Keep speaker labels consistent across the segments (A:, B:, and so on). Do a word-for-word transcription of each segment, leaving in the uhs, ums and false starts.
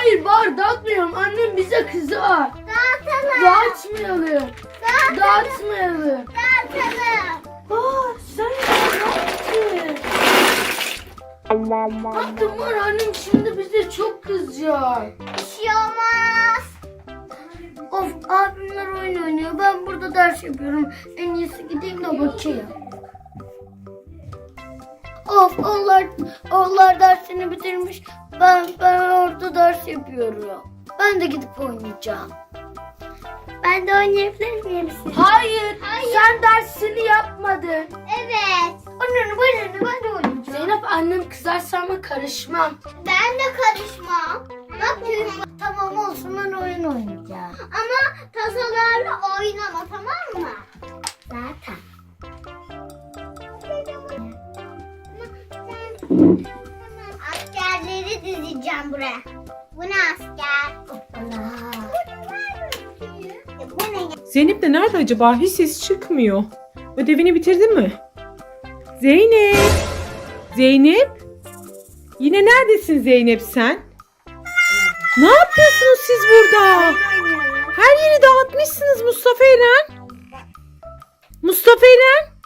A: Hayır Bahar dağıtmayalım. Annem bize kızar.
B: Dağıtalım.
A: Dağıtmayalım.
B: Dağıtalım.
A: Dağıtmayalım.
B: Dağıtalım.
A: Aa sen ne yaptın? Baktım var annem şimdi bize çok kızacak.
B: Bir şey olmaz.
A: Of abimler oyun oynuyor. Ben burada ders yapıyorum. En iyisi gideyim de bakayım. Of onlar, onlar dersini bitirmiş. Ben ben orada ders yapıyorum. Ben de gidip oynayacağım.
B: Ben de oynayabilir miyim siz?
A: Hayır,
B: Hayır.
A: sen dersini yapmadın.
B: Evet.
A: Anne bana ne ben de oynayacağım. Zeynep annem kızarsa ama karışmam.
B: Ben de karışmam. Bakıyorum.
A: Tamam olsun ben oyun oynayacağım.
B: Ama tasolarla oynama, tamam mı?
A: Zaten.
B: Askerleri dizeceğim buraya. Bu ne asker? E, bu ne?
C: Zeynep de nerede acaba? Hiç ses çıkmıyor. Ödevini bitirdin mi? Zeynep. Zeynep. Yine neredesin Zeynep sen? Ne yapıyorsunuz siz burada? Her yeri dağıtmışsınız Mustafa Eren. Mustafa Eren.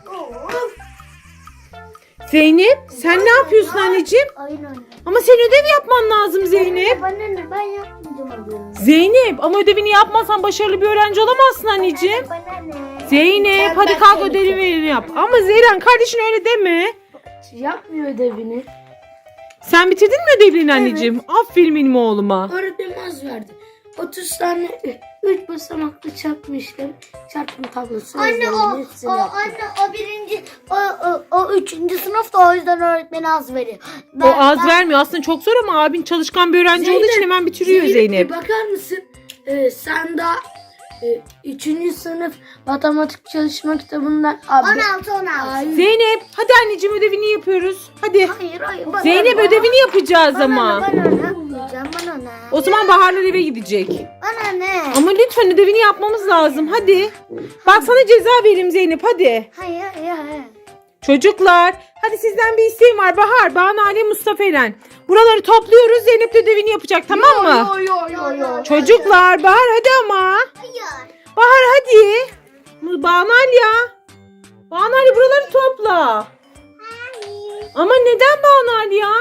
C: Zeynep sen ne yapıyorsun anneciğim?
A: Oyun oynayacağım.
C: Ama senin ödev yapman lazım Zeynep.
A: Bana ne ben yapmayacağım oyunu.
C: Zeynep ama ödevini yapmazsan başarılı bir öğrenci olamazsın anneciğim.
A: Bana ne?
C: Zeynep
A: Sen
C: hadi
A: ben
C: kalk
A: seni
C: ödevini yap. Ama Zeyran kardeşin öyle deme.
A: Yapmıyor ödevini.
C: Sen bitirdin mi ödevlerini anneciğim? Aferin benim oğluma.
A: Öğretmenim az verdi. otuz tane üç basamaklı çarpma işlemi, çarpım tablosu.
B: Anne
A: yazıyorum,
B: o,
A: hepsini
B: o
A: yaptım.
B: anne o birinci
A: O, o, o üçüncü sınıfta o yüzden öğretmen az veriyor.
C: O az vermiyor. Aslında çok zor ama abin çalışkan bir öğrenci olduğu için hemen bitiriyor Zeynep.
A: bir bakar mısın? Ee, sen daha e, üçüncü sınıf matematik çalışma kitabından abi.
B: on altı on altı.
A: Hayır.
C: Zeynep hadi anneciğim ödevini yapıyoruz. Hadi.
A: Hayır hayır. Bana
C: Zeynep
A: ne?
C: ödevini yapacağız
A: Bana
C: ama.
A: ne, bana ne yapmayacağım bana ne?
C: O zaman Baharlar eve gidecek.
A: Bana ne?
C: Ama lütfen ödevini yapmamız lazım. Hadi. Bak sana ceza vereyim Zeynep hadi.
A: Hayır hayır hayır.
C: Çocuklar hadi sizden bir isteğim var. Bahar, Banu, Ali, Mustafa Eren. Buraları topluyoruz. Zeynep de ödevini yapacak tamam mı?
A: Yo yo yo yo.
C: Çocuklar Bahar hadi ama.
B: Hayır.
C: Bahar hadi. Banu Ali ya. Banu Ali buraları topla.
B: Hayır.
C: Ama neden Banu Ali ya?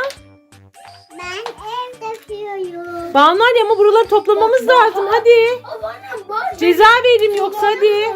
B: Ben ev yapıyorum.
C: Banu Ali ama buraları toplamamız lazım hadi.
A: Bana var.
C: Ceza vereyim yoksa hadi.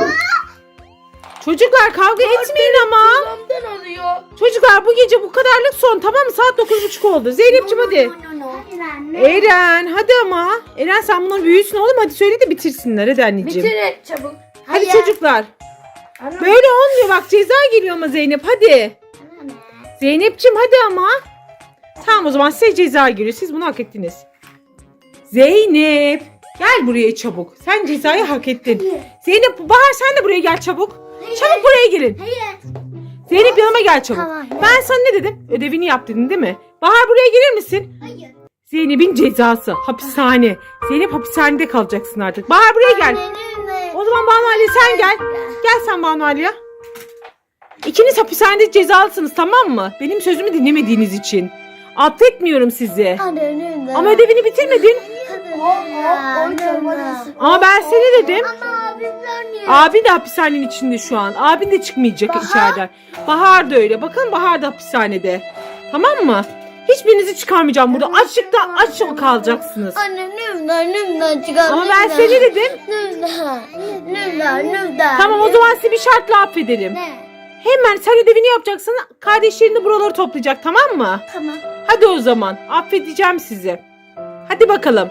C: Çocuklar kavga etmeyin ama.
A: Kulağımdan alıyor.
C: Çocuklar bu gece bu kadarlık son tamam mı? Saat dokuz buçuk oldu. Zeynep'ciğim hadi.
A: No, no, no.
B: Hayır anne.
C: Eren hadi ama. Eren sen bunları büyüsün oğlum hadi söyle de bitirsinler hadi anneciğim.
A: Bitir et çabuk.
C: Hadi
A: Hayır.
C: çocuklar.
A: Ana.
C: Böyle olmuyor bak ceza geliyor ama Zeynep hadi.
B: Anne.
C: Zeynep'ciğim hadi ama. Tamam o zaman size ceza geliyor. Siz bunu hak ettiniz. Zeynep. Gel buraya çabuk. Sen cezayı hak ettin. Zeynep Bahar sen de buraya gel çabuk. Çabuk buraya gelin.
B: Hayır.
C: Zeynep yanıma gel çabuk.
A: Tamam, ya.
C: Ben sana ne dedim? Ödevini yap dedin değil mi? Bahar buraya gelir misin?
B: Hayır.
C: Zeynep'in cezası. Hapishane. Zeynep hapishanede kalacaksın artık. Bahar buraya gel. O zaman Banu Ali sen gel. Gel sen Banu Ali ya. İkiniz hapishanede cezalısınız tamam mı? Benim sözümü dinlemediğiniz için. Affetmiyorum sizi. Ama ödevini bitirmedin. Ama ben seni dedim.
B: Ama abimler niye?
C: Abin de hapishanenin içinde şu an. Abin de çıkmayacak içeriden. Bahar da öyle. Bakın Bahar da hapishanede. Tamam mı? Hiçbirinizi çıkarmayacağım burada. Açlıkta aç kalacaksınız.
A: Anne nümden nümden çıkar.
C: Ama ben seni dedim.
A: Nümden. Nümden nümden.
C: Tamam o zaman sizi bir şartla affedelim.
A: Ne?
C: Hemen sen ödevini yapacaksın. Kardeşlerin de buraları toplayacak tamam mı?
A: Tamam.
C: Hadi o zaman. Affedeceğim sizi. Hadi bakalım.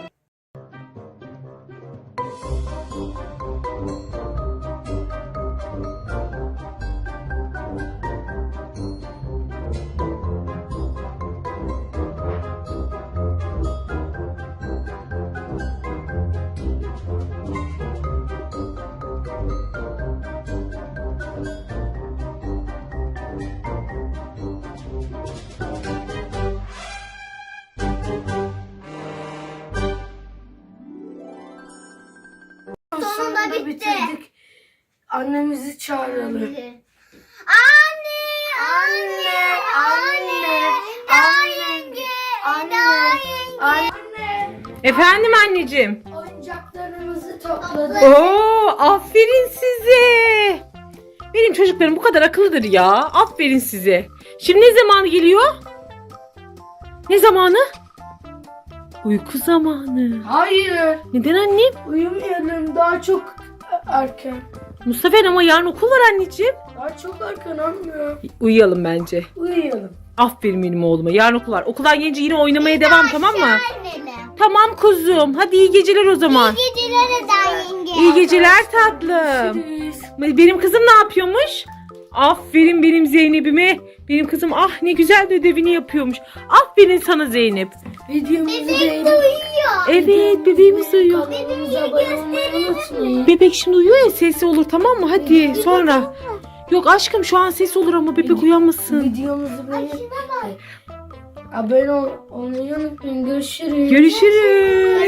B: Sonunda bitti.
A: bitirdik. Annemizi çağıralım.
B: Anne, anne, anne, anne, yenge,
A: Anne.
B: yenge.
A: Anne.
C: Efendim anneciğim.
A: Oyuncaklarımızı topladık.
C: Oo, aferin size. Benim çocuklarım bu kadar akıllıdır ya. Aferin size. Şimdi ne zamanı geliyor? Ne zamanı? Uyku zamanı.
A: Hayır.
C: Neden annem?
A: Uyumayalım, daha çok erken.
C: Mustafa ama yarın okul var anneciğim.
A: Daha çok erken anne.
C: Uyuyalım bence.
A: Uyuyalım.
C: Aferin benim oğluma. Yarın okul var. Okuldan gelince yine oynamaya devam, tamam mı?
B: Annelim.
C: Tamam kuzum. Hadi iyi geceler o zaman.
B: Geceleri daha yenge.
C: İyi geceler tatlım. Benim kızım ne yapıyormuş? Aferin benim Zeynep'ime. Benim kızım ah ne güzel de ödevini yapıyormuş. Aferin sana Zeynep.
A: Videomuzu
B: Bebeğim
A: beğenip
B: de uyuyor.
C: Evet bebeğimiz uyuyor.
A: kanalımıza abone olmayı unutmayın.
C: Bebek şimdi uyuyor ya, sesi olur tamam mı? Hadi sonra. Yok aşkım şu an ses olur ama bebek uyanmasın.
A: Videomuzu beğenip abone ol- olmayı unutmayın. Görüşürüz.
C: Görüşürüz.